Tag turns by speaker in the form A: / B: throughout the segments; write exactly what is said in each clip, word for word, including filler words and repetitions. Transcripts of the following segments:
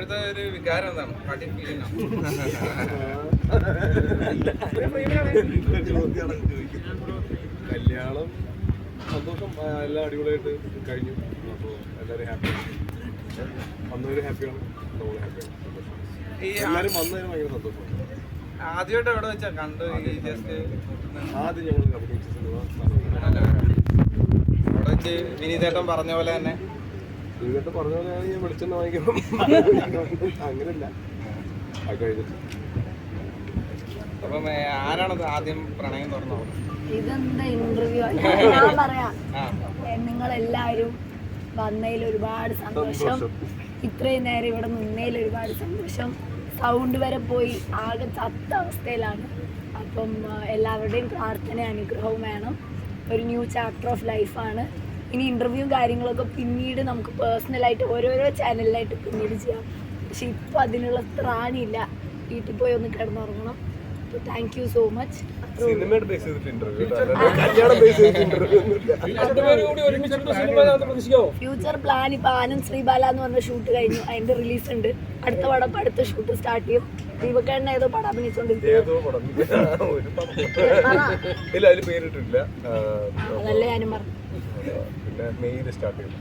A: ഇപ്പോഴത്തെ ഒരു വികാരം എന്താണ്? പാട്ടി ഫീലിംഗ്
B: കല്യാണം സന്തോഷം, എല്ലാം അടിപൊളിയായിട്ട് കഴിഞ്ഞു. അപ്പോൾ എല്ലാവരും ഹാപ്പിയാണ്, വന്നവര് ഹാപ്പിയാണ്, നമ്മൾ ഹാപ്പിയാണ്. എല്ലാവരും വന്നതിന് ഭയങ്കര സന്തോഷമാണ്.
A: ആദ്യമായിട്ട് എവിടെ വെച്ചാ കണ്ടു? ഈ ജസ്റ്റ്
B: ആദ്യം ഞങ്ങൾ അഭിനയിച്ച സിനിമ
A: അവിടെ വെച്ച് വിനീതേട്ടൻ പറഞ്ഞ പോലെ തന്നെ
B: ഇതൊക്കെ പറഞ്ഞ പോലെ ഞാൻ വെളിച്ചെണ്ണ വാങ്ങിക്കണം, അങ്ങനെയല്ല അത് കഴിഞ്ഞിട്ട്.
A: അപ്പം ആരാണത് ആദ്യം പ്രണയം തുറന്നത്?
C: ഇതെന്താ ഇന്റർവ്യൂ? ഞാൻ പറയാം, നിങ്ങളെല്ലാവരും വന്നതിൽ ഒരുപാട് സന്തോഷം, ഇത്രയും നേരം ഇവിടെ നിന്നതിൽ ഒരുപാട് സന്തോഷം. സൗണ്ട് വരെ പോയി ആകെ ചത്ത അവസ്ഥയിലാണ്. അപ്പം എല്ലാവരുടെയും പ്രാർത്ഥന അനുഗ്രഹവും വേണം. ഒരു ന്യൂ ചാപ്റ്റർ ഓഫ് ലൈഫാണ്. ഇനി ഇൻ്റർവ്യൂവും കാര്യങ്ങളൊക്കെ പിന്നീട് നമുക്ക് പേഴ്സണലായിട്ട് ഓരോരോ ചാനലിലായിട്ട് പിന്നീട് ചെയ്യാം. പക്ഷെ ഇപ്പോൾ അതിനുള്ള ത്രാണിയില്ല. വീട്ടിൽ പോയി ഒന്ന് കിടന്നുറങ്ങണം. അപ്പോൾ താങ്ക് യു സോ മച്ച്.
B: സിനിമയുടെ ബേസ് ചെയ്തിട്ട് ഇന്റർവ്യൂ, കല്യാണം ബേസ് ചെയ്തിട്ട് ഇന്റർവ്യൂ
C: ഫ്യൂച്ചർ പ്ലാൻ ഇപ്പൊ ആനന്ദ് ശ്രീബാല എന്ന് പറഞ്ഞ ഷൂട്ട് കഴിഞ്ഞു, അതിന്റെ റിലീസ് ഉണ്ട്. അടുത്ത പടം ഇപ്പൊ അടുത്ത ഷൂട്ട് സ്റ്റാർട്ട് ചെയ്യും. ദീപക്കേണ്ണ ഏതോ പടം
B: അഭിനയിച്ചോണ്ടിരിക്കില്ല,
C: അതല്ലേ ഞാനും പറഞ്ഞു.
B: പിന്നെ മെയ്യിൽ സ്റ്റാർട്ട് ചെയ്യും.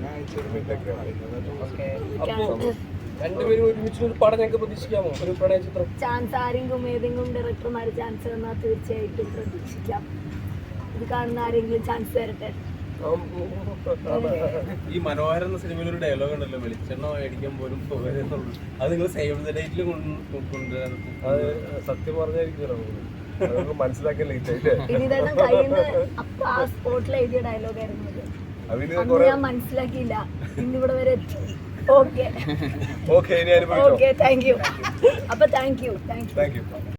D: രണ്ടുപേരും ഒരുമിച്ച് ഒരു പടം ഞങ്ങൾക്ക് പ്രതീക്ഷിക്കാമോ? ഒരു പ്രണയ ചിത്രം
C: ചാൻസ് ആരെങ്കിലും ഏതെങ്കിലും ഡയറക്ടർമാർ ചാൻസ് തന്നാൽ തീർച്ചയായിട്ടും പ്രതീക്ഷിക്കാം. ഇത് കാണുന്ന ആരെങ്കിലും ചാൻസ് തരട്ടെ.
D: ഈ മനോഹരം എന്ന സിനിമയിൽ ഒരു ഡയലോഗ് ഉണ്ടല്ലോ, വെളിച്ചെണ്ണ മേടിക്കാൻ പോലും പോകരുതെന്നുള്ളൂ. അത് നിങ്ങൾ സേവ് ദ ഡേറ്റിൽ കൊണ്ടുവരാൻ
B: അത് സത്യം പറഞ്ഞായിരിക്കും, മനസ്സിലാക്കാൻ ലേറ്റ് ആയില്ലേ?
C: വിനീതേട്ടൻ കയ്യിൽ നിന്ന് അപ്പൊ ആ സ്പോട്ടിൽ എഴുതിയ ഡയലോഗ് ആയിരുന്നു അത്. അന്ന് ഞാൻ മനസ്സിലാക്കിയില്ല, ഇന്നിവിടെ വരെ എത്തി. Okay
B: okay,
C: okay, thank you. അപ്പൊ thank you thank you
B: thank U.